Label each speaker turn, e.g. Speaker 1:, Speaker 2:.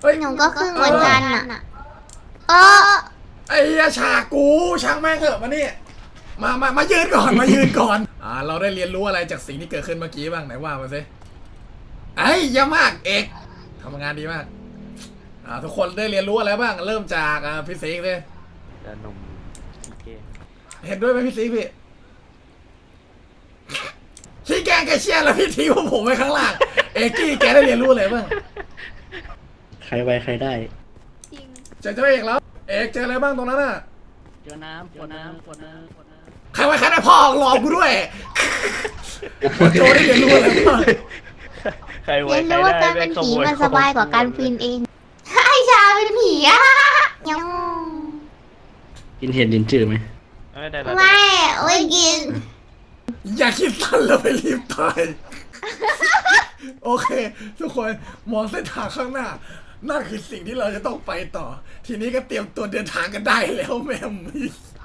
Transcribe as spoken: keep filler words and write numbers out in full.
Speaker 1: เฮ้ย
Speaker 2: หนูก็ครึ่งเหมือนกันอ่ะเออ
Speaker 1: ไอ้เหี้ยฉากกูช่างแม่งเถอะมานี่มามามายืนก่อนมายืนก่อนอ่าเราได้เรียนรู้อะไรจากสิ่งที่เกิดขึ้นเมื่อกี้บ้างไหนว่ามาสิไอ้เยี่ยมมากเอกทำงานดีมากอ่าทุกคนได้เรียนรู้อะไรบ้างเริ่มจากอ่าพี่สิงห์เลย
Speaker 3: จะนมขี้เกง
Speaker 1: เห็นด้วยไหมพี่สิงห์พี่พี่แกแกเชียร์แล้วพี่ทิ้งผมไว้ข้างล่างเอกกี้แกได้เรียนรู้อะไรบ้าง
Speaker 4: ใครไวใครได้
Speaker 2: จริง
Speaker 1: เจอเจ้าเอกแล้วเอกเจออะไรบ้างตรงนั้นน่ะ
Speaker 4: เจอน้ำขวดน้ำขวดน้ำขวดน้
Speaker 1: ใครไว้ใครได้พ่อหลอกกูด้วยโจได้เรียนรู้อะไรบ้าง
Speaker 3: ใครไว้
Speaker 2: เรียน
Speaker 3: ใคร
Speaker 2: รู้ว่า
Speaker 3: ได้
Speaker 2: การเป็น
Speaker 3: แงข
Speaker 2: ผี
Speaker 3: โย
Speaker 2: มันสบายกว่าการปีนเองไอชาเป็นผีอะยัง
Speaker 4: ำกินเห็ดลินจืดไหม
Speaker 3: ไม่ได้แล้ว
Speaker 2: ไม่ไม่กิน
Speaker 1: อย่าคิดสั้นแล้วไปรีบตายโอเค ทุกคนมองเส้นทางข้างหน้านั่นคือสิ่งที่เราจะต้องไปต่อ ทีนี้ก็เตรียมตัวเดินทางกันได้แล้วแม่ม